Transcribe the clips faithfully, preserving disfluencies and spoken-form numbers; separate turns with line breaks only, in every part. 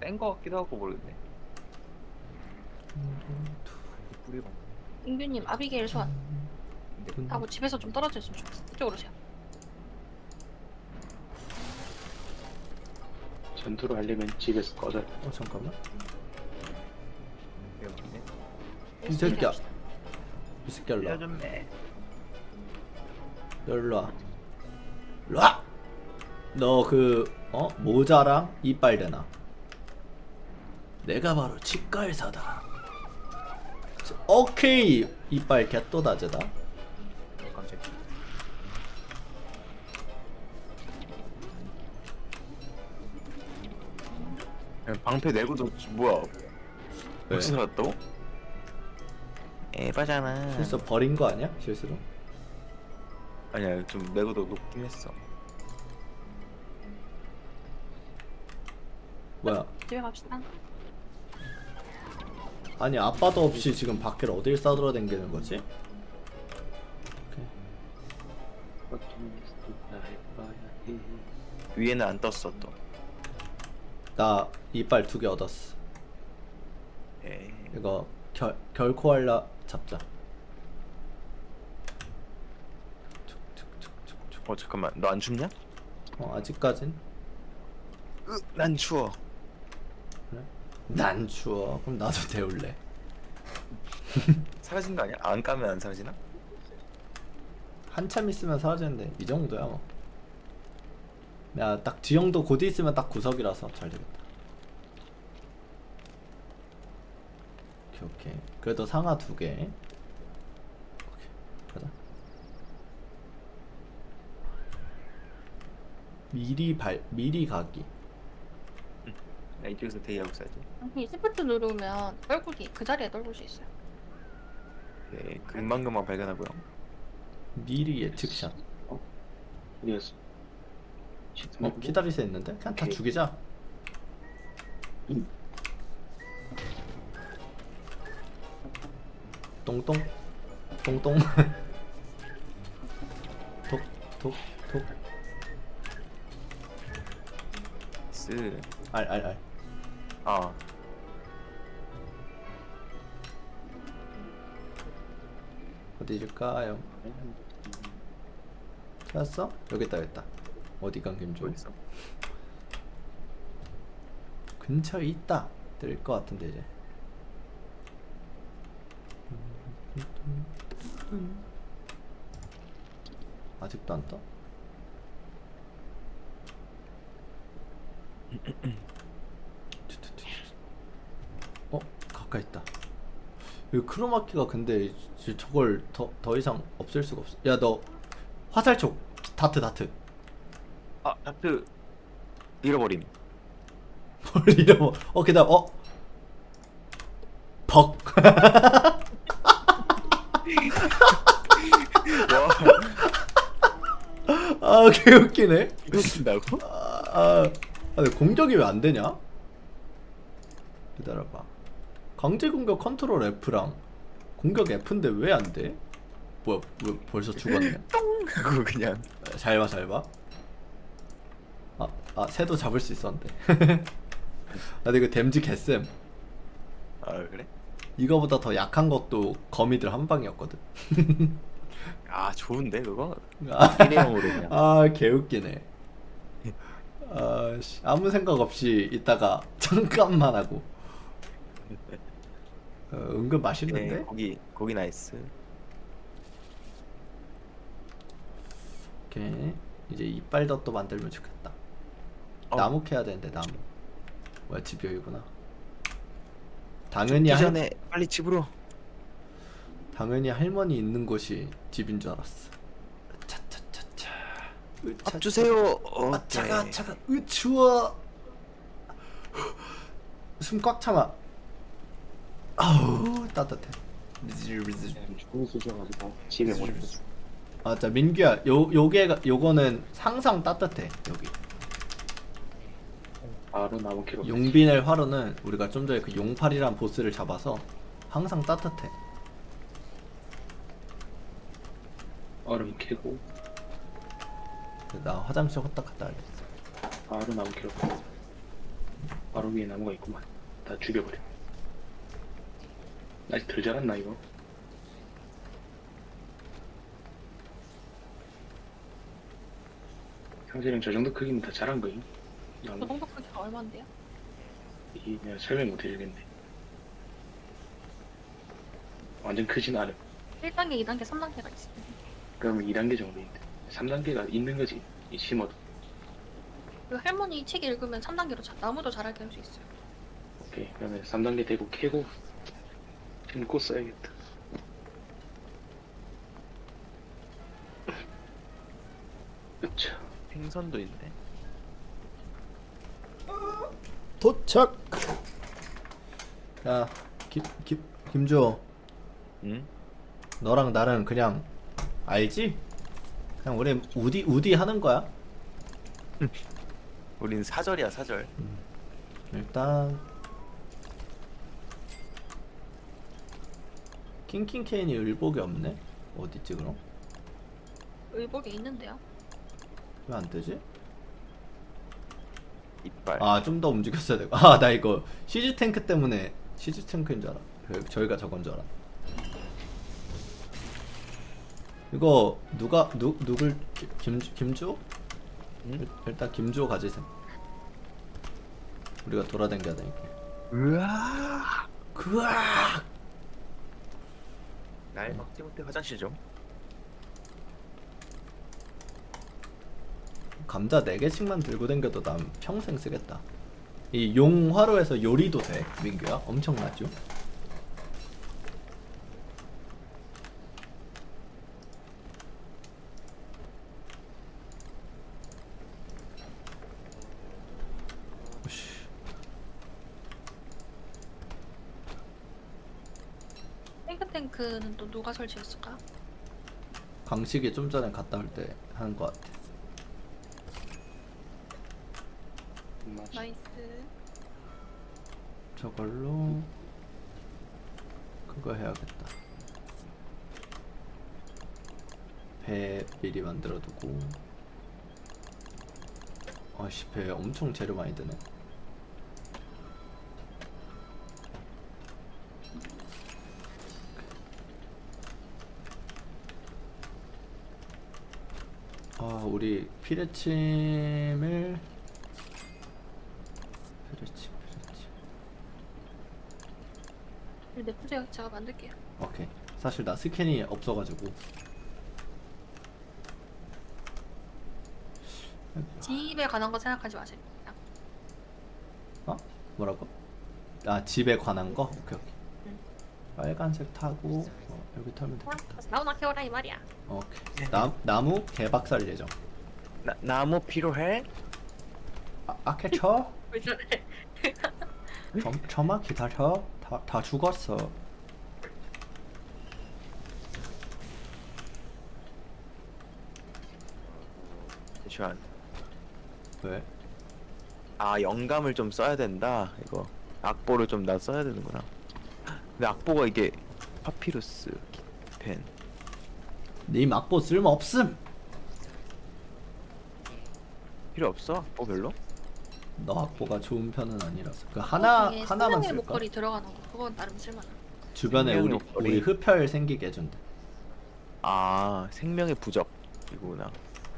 뺀 거 같기도 하고 모르겠네. 뿌리가.
인규님 아비게일 소환.
음.
하고 집에서 좀 떨어져 있으면 좋겠어. 이쪽으로 오세요.
전투를 하려면 집에서 꺼져.
어 잠깐만.
여기네.
이 새끼야. 이 새끼 일로 와.
려줬네.
일로 와. 일로 와. 너 그 어? 모자랑 이빨 대나. 내가 바로 치과의사다. 오케이. 이빨 개또다제다.
깜짝이야. 방패 내고도 뭐야?
왜?
어디서 살았다고? 에바잖아.
실수 버린 거 아니야? 실수로?
아니야, 좀 내고도 높긴 했어.
뭐야?
집에 갑시다.
아니 아빠도 없이 지금 밖을 어딜 싸돌아다니는 거지?
위에는 안 떴어 또.
나 이빨 두 개 얻었어.
에이.
이거 결 결코 할라 잡자.
어 잠깐만, 너 안 춥냐?
어 아직까진?
으, 난 추워.
그래? 난 추워. 그럼 나도 데울래.
사라진 거 아니야? 안 까면 안 사라지나?
한참 있으면 사라지는데 이 정도야 뭐. 야 딱 지형도 곧 있으면 딱 구석이라서 잘 되겠다. 오케이 오케이. 그래도 상하 두 개. 오케이 가자. 미리 발 미리 가기.
나 이쪽에서 대기하고 있어야지.
이 시프트 누르면 떨구기 그 자리에 떨굴 수 있어요.
네, 금방금방 발견하고요.
미리 예측샷.
어디였어?
어 기다리세 있는데 그냥 다
오케이.
죽이자.
음.
똥똥 똥똥 톡톡톡
쓰.
알알알.
아,
어디 줄까요? 찾았어? 여기 있다 여기 있다. 어디 간 김조?
어디 있어?
근처에 있다. 뜰 것 같은데 이제. 아직도 안 떠? 어? 가까이 있다. 이 크로마키가 근데 이- 저걸 더, 더 이상 없앨 수가 없어. 야 너 화살촉 다트 다트.
아, 다트 잃어버림.
뭘 잃어버. 어 그다음 어 벅.
와,
아 개웃기네.
이거 쓴다고?
아, 아, 아 근데 공격이 왜 안 되냐? 기다려봐. 강제 공격 컨트롤 F랑 공격 F인데 왜 안 돼? 뭐야, 왜 벌써 죽었네?
그거 그냥.
잘 봐, 잘 봐. 아, 아 새도 잡을 수 있었는데. 아, 근데 이거 댐지 개쌤.
아 그래?
이거보다 더 약한 것도 거미들 한 방이었거든.
아 좋은데 그거?
아,
일회용으로 그냥.
아 개웃기네. 아씨 아무 생각 없이 있다가 잠깐만 하고. 어, 은근 맛있는데?
네, 고기 고기 나이스.
오케이 이제 이빨 덧도 만들면 좋겠다.
어.
나무 캐야 되는데 나무. 뭐야 집 여기구나. 당연히
죽기
할
전에 빨리 집으로.
당연히 할머니 있는 곳이 집인 줄 알았어. 차차차차.
밥 주세요.
아 차가 차가. 으 추워. 숨 꽉 참아. 아우 따뜻해.
죽은 수셔가지고 집에 못 있어.
맞아 민규야 요 요게 요거는 항상 따뜻해 여기.
바로 나무 캐로.
용빈의 화로는 우리가 좀 전에 그 용팔이란 보스를 잡아서 항상 따뜻해.
얼음 캐고
나 화장실 헛딱 갔다 와야겠어.
바로 나무 캐로. 바로 위에 나무가 있구만. 다 죽여버려. 아직 덜 자랐나 이거? 상세령 저 정도 크기면 다 자란 거임.
저
나무.
정도 크기가 얼마인데요?
이게 내가 설명 못 해주겠네. 완전 크진 않음.
일 단계, 이 단계, 삼 단계가 있어요.
그러면 이 단계 정도인데. 삼 단계가 있는 거지. 이 심어도.
그 할머니 책 읽으면 삼 단계로 자, 나무도 자라게 할 수 있어요.
오케이. 그러면 삼 단계 되고 캐고 심고 써야겠다. 그쵸.
생선도 있네.
도착. 야, 김, 김, 김주호,
응?
너랑 나는 그냥 알지? 그냥 우리 우디 우디 하는 거야.
우린 사절이야 사절.
일단 킹킹케인이 의복이 없네. 어딨지 그럼?
의복이 있는데요.
왜 안 뜨지?
이빨.
아, 좀 더 움직였어야 되고. 아, 나 이거 시즈 탱크 때문에 시즈 탱크인 줄 알아. 그, 저희가 저건 줄 알아. 이거 누가 누 누굴 기- 김 김주호?
응?
일- 일단 김주호 가지셈. 우리가 돌아다녀야 되니까.
으아.
그악.
날 막지 못해 화장실 좀.
감자 네 개씩만 들고 댕겨도 난 평생 쓰겠다. 이 용화로에서 요리도 돼, 민규야. 엄청나죠? 오씨.
탱크탱크는 또 누가 설치했을까?
강식이 좀 전에 갔다 올 때 하는 것 같아.
맞지.
나이스.
저걸로 그거 해야겠다. 배 미리 만들어두고. 아씨, 배 엄청 재료 많이 드네. 아, 우리 피레침을 피레침 피레침
내 프로젝트 제가 만들게요.
오케이. 사실 나 스캔이 없어가지고.
집에 관한 거 생각하지 마세요. 그냥.
어? 뭐라고? 아, 집에 관한 거? 오케이 오케이.
응.
빨간색 타고 어, 여기 타면 되겠다.
나오나 캐오라 이 말이야.
오케이. 나, 나무 개박살 예정.
나 나무 필요해?
아, 아케쳐?
왜 저래?
점, 점만 기다려. 다, 다 죽었어.
잠시만.
왜?
아 영감을 좀 써야 된다. 이거 악보를 좀 나 써야 되는구나. 근데 악보가 이게 파피루스 펜.
님 악보 쓸모 없음.
필요 없어? 악보 별로?
너 악보가 좋은 편은 아니라서. 그 하나
거기에
하나만
생명의
쓸까?
목걸이 들어가는 거 그건 나름 쓸만해.
주변에 우리
생명의 목걸이.
우리 흡혈 생기게 해준대.
아 생명의 부적 이거구나.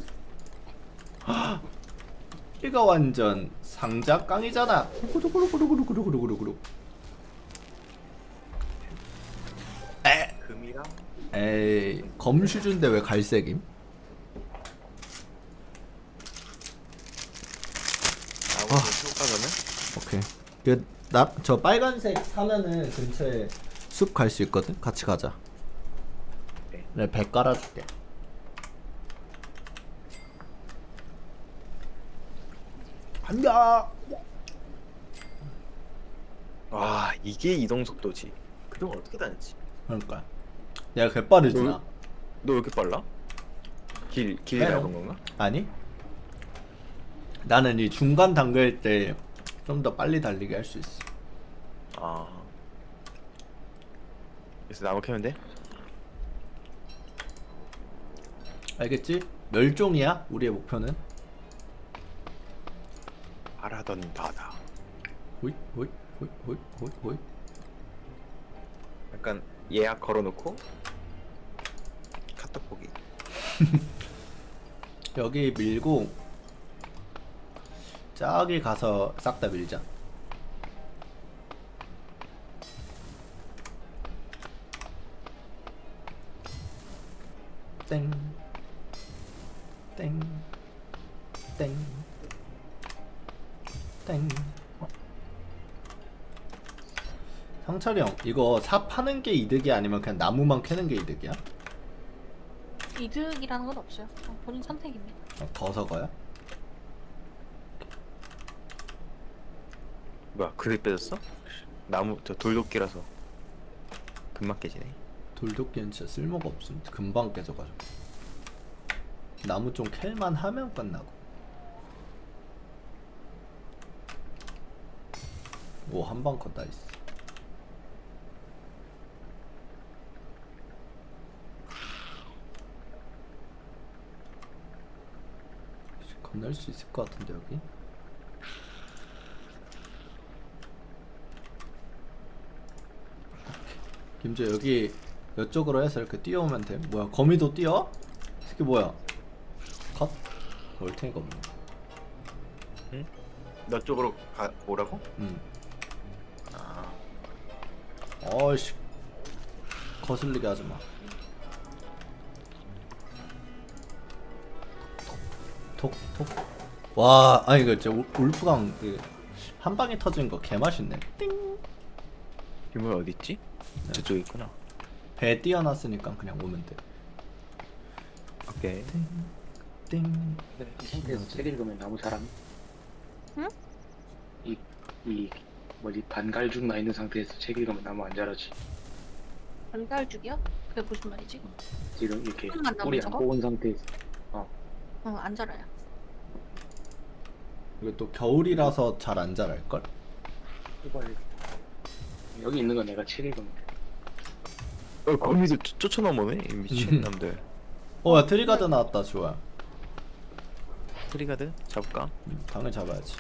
이거 완전 상자 깡이잖아. 구구구구구구구구구구구구구. 에.
금이랑
에이, 검슈준데 왜 갈색임?
나무
아.
효과는?
오케이. 그 나 저 빨간색 사면은 근처에 숲 갈 수 있거든. 같이 가자.
네.
내가 배 깔아줄게. 간다.
와 이게 이동 속도지. 그동안 어떻게 다녔지?
그러니까 내가 개빠르지 나.
너 왜 이렇게 빨라? 길 길이
해요.
얇은 건가?
아니? 나는 이 중간 단계일 때 좀 더 빨리 달리게 할 수 있어.
아. 그래서 나무 캐면 돼?
알겠지? 멸종이야 우리의 목표는.
바라던 바다.
호잇 호잇 호잇 호잇 호잇 호잇.
약간 예약 걸어놓고 카톡 보기.
여기 밀고 저기 가서 싹 다 밀자. 땡. 땡. 땡. 땡. 상철이 형, 이거 사 파는 게 이득이야? 아니면 그냥 나무만 캐는 게 이득이야?
이득이라는 건 없어요. 그냥 본인 선택입니다.
어, 버서거야?
뭐야 그립 빼졌어? 나무 저 돌도끼라서 금방 깨지네.
돌도끼는 진짜 쓸모가 없음. 금방 깨져가지고. 나무 좀 캘만 하면 끝나고. 오, 한방 컷 나이스. 건널 수 있을 것 같은데 여기. 김재 여기 이쪽으로 해서 이렇게 뛰어오면 돼. 뭐야 거미도 뛰어? 이게 뭐야? 컷? 올탱이가 없네.
응? 너 쪽으로 가 오라고?
응.
아
어이씨 거슬리게 하지마. 톡톡. 와 아니 이거 진짜 울- 울프강 그 한 방에 터진 거 개맛있네. 띵.
유물 어디 있지? 저쪽에 있구나.
배 띄어놨으니까 그냥 오면 돼.
오케이.
띵.
네, 이 상태에서 책 읽으면 나무 자람.
응?
이, 이 뭐지 반갈죽 나 있는 상태에서 책 읽으면 나무 안 자라지.
반갈죽이요? 그게 무슨 말이지?
지금 이렇게
조금만 나무
뿌리 안
저거?
뽑은 상태에서
어, 안 자라요.
이거 또 겨울이라서 잘 안 자랄걸?
뽑아야 돼. 여기 있는 건 내가 책 읽으면 돼.
어 거미도 쫓- 쫓아넘어네 이 미친 놈들.
어야 트리가드 나왔다. 좋아.
트리가드 잡을까?
음, 방을 잡아야지.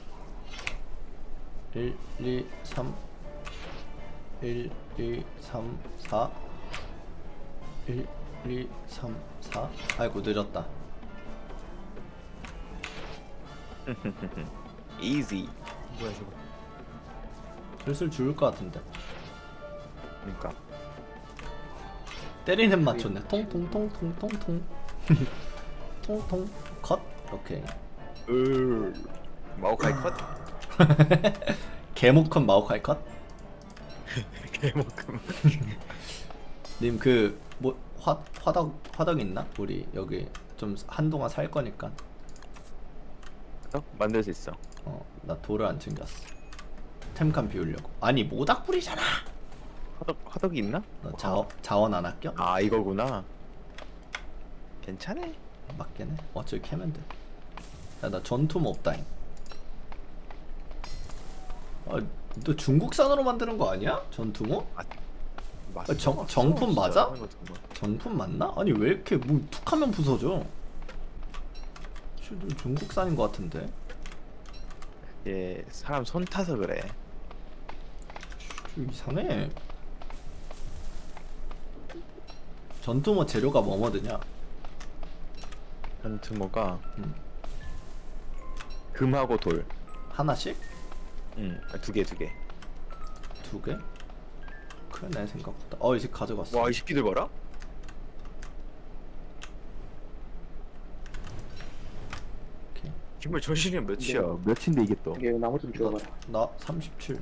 일, 이, 삼 일, 이, 삼, 사 일, 이, 삼, 사 아이고 늦었다.
이지. 뭐야 저거?
슬슬 죽을 것 같은데.
그러니까.
때리는 맞췄네. 통통통통통통. 통통 컷. 오케이.
으 마오카이 컷.
개목컷 마오카이 컷.
개만큼.
님 그 뭐 화 화덕 화덕 있나? 우리 여기 좀 한동안 살 거니까.
어? 만들 수 있어.
어 나 돌을 안 챙겼어. 템칸 비우려고. 아니 모닥불이잖아.
화덕 화덕이 있나?
너 자원 자원 안 아껴?
아 이거구나. 괜찮네.
맞긴 해. 어차피 캐면 돼. 야 나 전투모 없다잉. 아, 너 중국산으로 만드는 거 아니야? 전투모?
맞-
정-
맞어,
정품
진짜.
맞아?
이거 정말.
정품 맞나? 아니 왜 이렇게 뭐 툭하면 부서져? 씨, 너 중국산인 거 같은데?
얘 사람 손 타서 그래.
좀 이상해. 전투모 재료가 뭐뭐드냐?
전투모가
음.
금하고 돌.
하나씩?
응. 두 개 두 개.
두 개? 크네 생각보다. 어 이제 가져갔어.
와 이 새끼들 봐라.
오케이.
정말 전신이 몇이야?
네.
몇인데 이게 또?
이게 나무 좀 주워봐라.
나 삼십칠.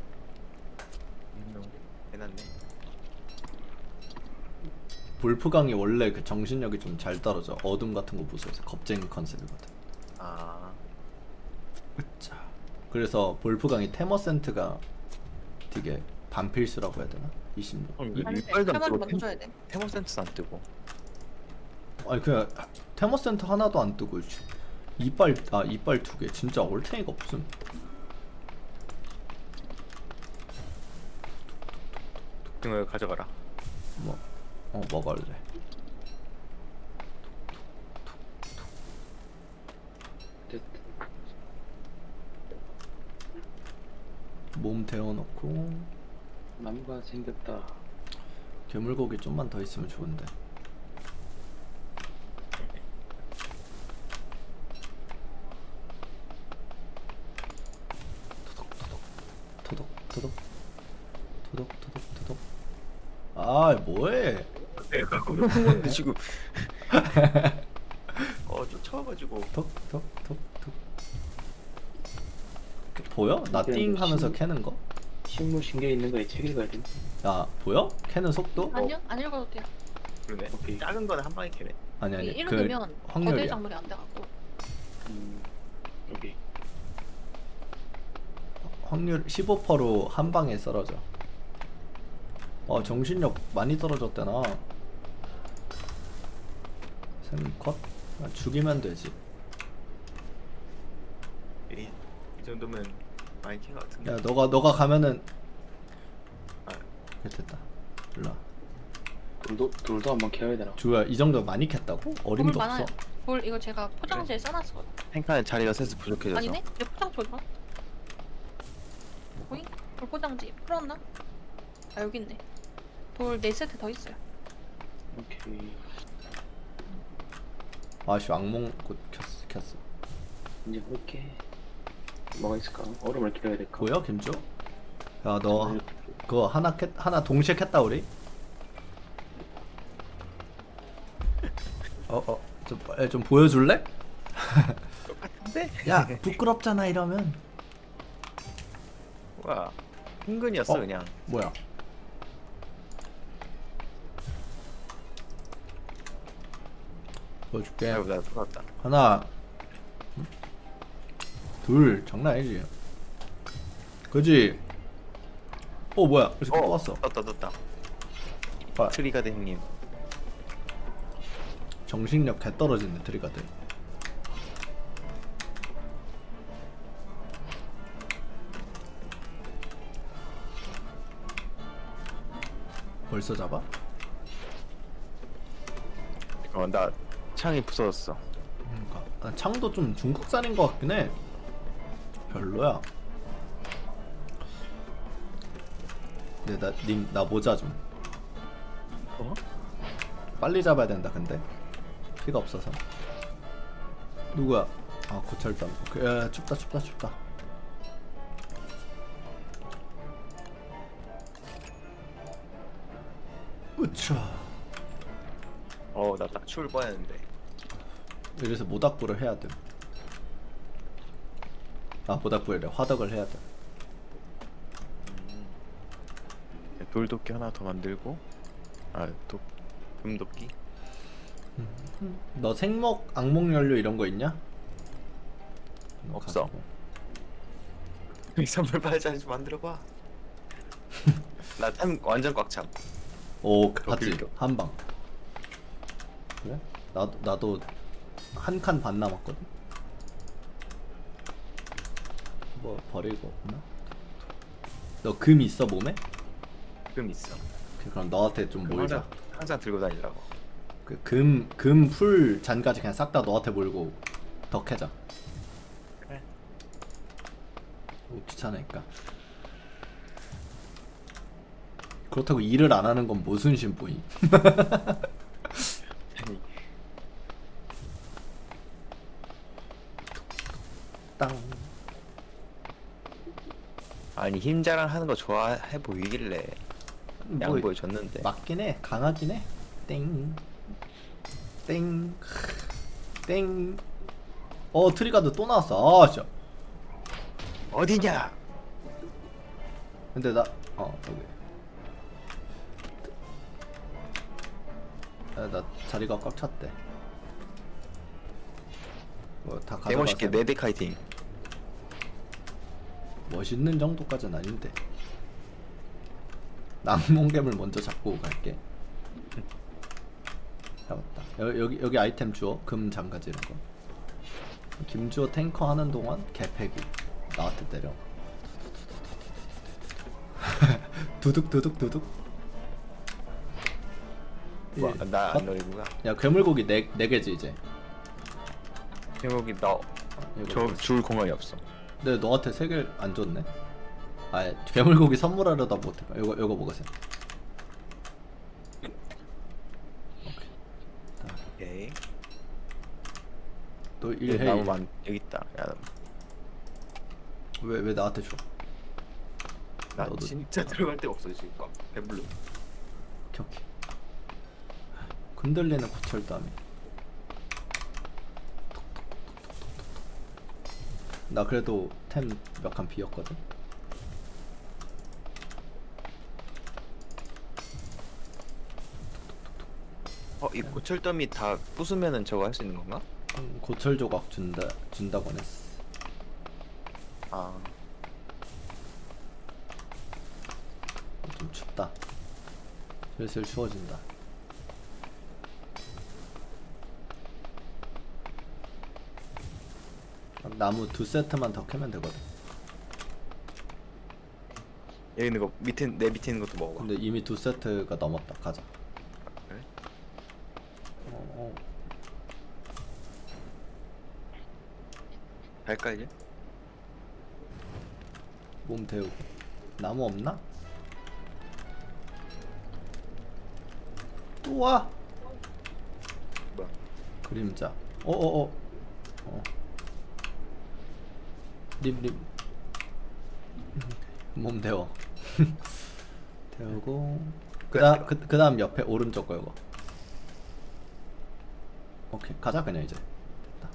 해놨네.
볼프강이 원래 그 정신력이 좀 잘 떨어져. 어둠 같은 거 무서워서 겁쟁이 컨셉이거든.
아.
자. 그래서 볼프강이 테머센트가 되게 반필수라고 해야 되나? 이십육.
어,
이-
이-
아니,
이빨도 안
테마를
뜨고
먼저 줘야 돼.
테모센트도 안 뜨고.
아니 그냥 테머센트 하나도 안 뜨고 씨. 이빨 아 이빨 두 개. 진짜 올탱이가 없음.
이거 가져가라.
뭐, 어 먹을래.
됐.
몸 데워놓고
나무가 생겼다.
괴물고기 좀만 더 있으면 좋은데. 토독 토독 토독 토독 토독. 아 뭐해?
내가 근데 지금 어 쫓아와가지고
톡톡톡톡. 보여? 나 띵 하면서 캐는 거?
식물 신경 있는 거에 책 읽어야 돼.
야 보여? 캐는 속도?
아니요, 안 읽어도 돼요.
그러네.
오케이.
작은 거는 한 방에 캐네.
아니
이
아니 그
읽으면 거대
확률이야.
작물이 안 돼갖고.
음, 여기.
확률 십오 퍼센트로 한 방에 썰어져. 어 정신력 많이 떨어졌대나. 생컷? 아, 죽이면 되지.
이, 이 정도면 많이 캔 것 같은데.
야 너가 너가 가면은
아.
그래, 됐다. 일로 와.
돌도 돌도 한번 캐야 되나?
주야 이 정도 많이 캤다고?
돌
어림도
많아요.
없어.
돌 이거 제가 포장지에 써놨어.
탱칸의 자리가 셋스 부족해져서.
아니네? 내 포장지 어디가? 보잉? 돌 포장지 풀었나? 아 여기 있네. 돌 네 세트 더 있어요.
오케이.
아씨 악몽꽃 켰어 켰어.
이제 볼게. 뭐가 있을까? 얼음을 기다려야 될까?
보여 김주? 야 너 그거 하나 캤 하나 동시에 캤다 우리? 어어 좀, 에, 좀 보여줄래?
똑같은데?
야 부끄럽잖아 이러면.
와 흥근이었어
어?
그냥.
뭐야? 보여줄게.
아이고 나 똑같다.
하나 응? 둘 장난 아니지. 그지? 어 뭐야 이렇게 또 왔어.
떴다 떴다.
아,
트리가드 형님.
정신력 개 떨어지네 트리가드. 벌써 잡아?
어나 창이 부서졌어.
그러니까 아, 창도 좀 중국산인 것 같긴 해. 별로야. 근데 나 님 나 모자 좀.
어?
빨리 잡아야 된다 근데 피가 없어서. 누구야? 아 고철담. 그, 야, 춥다 춥다 춥다. 으차.
어나 딱 추울 뻔했는데.
이래서 모닥불을 해야 돼. 아 모닥불이래. 화덕을 해야 돼.
음. 돌도끼 하나 더 만들고. 아도 금도끼.
너 생목 악몽 연료 이런 거 있냐?
없어.
가지고.
이 선물 빨리 좀 만들어봐. 나 템 완전 꽉 참.
오
더
봤지?
길겨.
한 방. 그래? 나도 나도 한 칸 반 남았거든. 뭐 버리고 없나? 너 금 있어 몸에?
금 있어.
그- 그럼 너한테 좀
금
몰자.
항상, 항상 들고 다니라고.
그 금 금 풀 잔까지 그냥 싹 다 너한테 몰고 더 캐자.
그래.
오, 귀찮으니까. 그렇다고 일을 안 하는 건 무슨 심보임?
아니
땅.
아니 힘 자랑하는 거 좋아해 보이길래
뭐,
양보해 줬는데.
맞긴 해. 강하긴 해. 땡. 땡. 땡. 어 트리가드 또 나왔어. 아 진짜.
어디냐?
근데 나 어 여기. 야, 나 자리가 꽉 찼대. 뭐다 가져가세요.
개멋있게 네드 카이팅.
멋있는 정도까지는 아닌데. 낭몽개물 먼저 잡고 갈게. 잡았다. 여, 여기 여기 아이템 주워. 금 장가지 이런 거. 김주호 탱커 하는 동안 개패기 나한테 때려. 두둑 두둑 두둑. 예.
뭐나안
어?
노리구나.
야 괴물고기 네, 네 개지 이제.
여기 나
이거
저 줄 공간이 없어.
근데 너한테 세 개 안 줬네. 아 괴물고기 선물하려다 못해. 이거 이거 먹으세요.
오케이.
또
여기
일해.
나무 많 여기 있다. 야,
왜 왜 나한테 줘?
나
너도-
진짜 들어갈 데가 없어 지금. 막 배불러.
오케이 오케이. 흔들리는 고철담이. 나 그래도 템 몇 칸 비었거든.
어, 이 고철더미 다 부수면은 저거 할 수 있는 건가?
음, 고철 조각 준다 준다고 했어.
아,
좀 춥다. 슬슬 추워진다. 나무 두 세트만 더 캐면 되거든.
여기 있는 거 밑에 내 밑에 있는 것도 먹어봐.
근데 이미 두 세트가 넘었다. 가자.
그래?
어, 어.
갈까 이제?
몸 데우고. 나무 없나? 또 와.
뭐야?
그림자. 어어어. 어. 립립. 몸 데워. 데우고. 그다음 그 그다음 옆에 오른쪽 거 이거. 오케이 가자 그냥 이제. 됐다.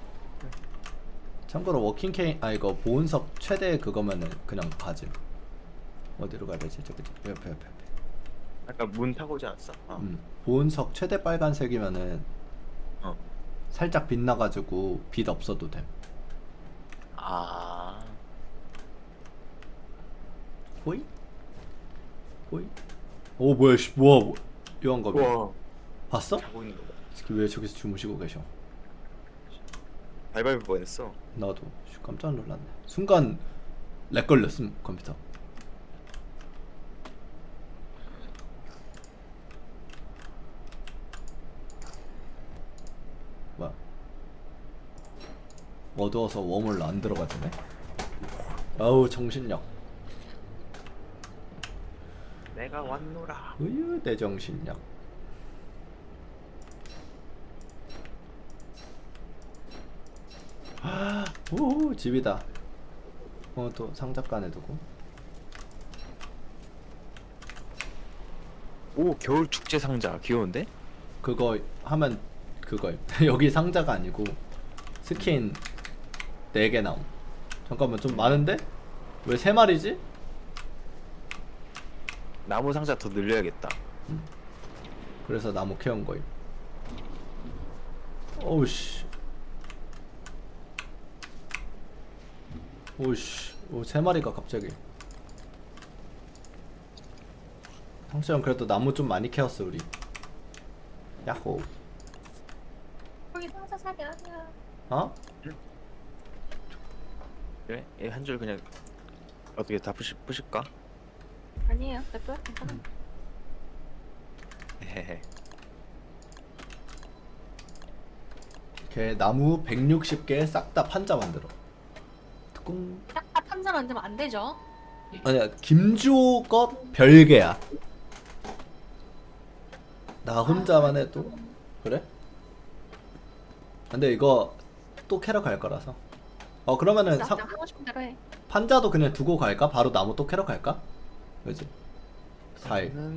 참고로 워킹 케인 아 이거 보온석 최대 그거면은 그냥 가지. 어디로 가야 되지? 저기 저기 옆에 옆에 옆에.
아까 문 타고 오지 않았어? 어.
음. 보온석 최대 빨간색이면은
어.
살짝 빛나가지고 빛 없어도 됨.
아.
호이? 호이? 오 뭐야 씨 뭐야 뭐 요한검이
우와.
봤어?
자고 있는 거 봐.
특히 왜 저기서 주무시고 계셔?
발발볼 뻔했어.
나도 씨, 깜짝 놀랐네. 순간 렉 걸렸음 컴퓨터. 뭐야? 어두워서 웜을 안 들어가지네. 아우 정신력.
내가 왔노라.
으유 내 정신력. 아, 오 집이다. 어 또 상자간에 두고.
오, 겨울 축제 상자 귀여운데?
그거 하면 그거 여기 상자가 아니고 스킨 네 개 나옴. 잠깐만 좀 많은데? 왜 세 마리지?
나무 상자 더 늘려야겠다.
그래서 나무 캐온 거임. 오우씨. 오우씨. 오, 세 마리가 갑자기. 상처형 그래도 나무 좀 많이 캐었어 우리. 야호.
거기 상자 사게 아니야.
어?
그래? 한 줄 그냥 어떻게 다 부시, 부실까?
아니에요. 냅둬요. 괜찮아.
헤헤.
걔 나무 백육십 개 싹 다 판자 만들어. 뚜껑.
싹다 판자 만들면 안 되죠.
아니야 김주호 것 별개야. 나 혼자만 해도 그래? 근데 이거 또 캐러 갈 거라서. 어 그러면은
나
상,
그냥 하고 싶은 대로 해.
판자도 그냥 두고 갈까? 바로 나무 또 캐러 갈까? 그지? 사 일.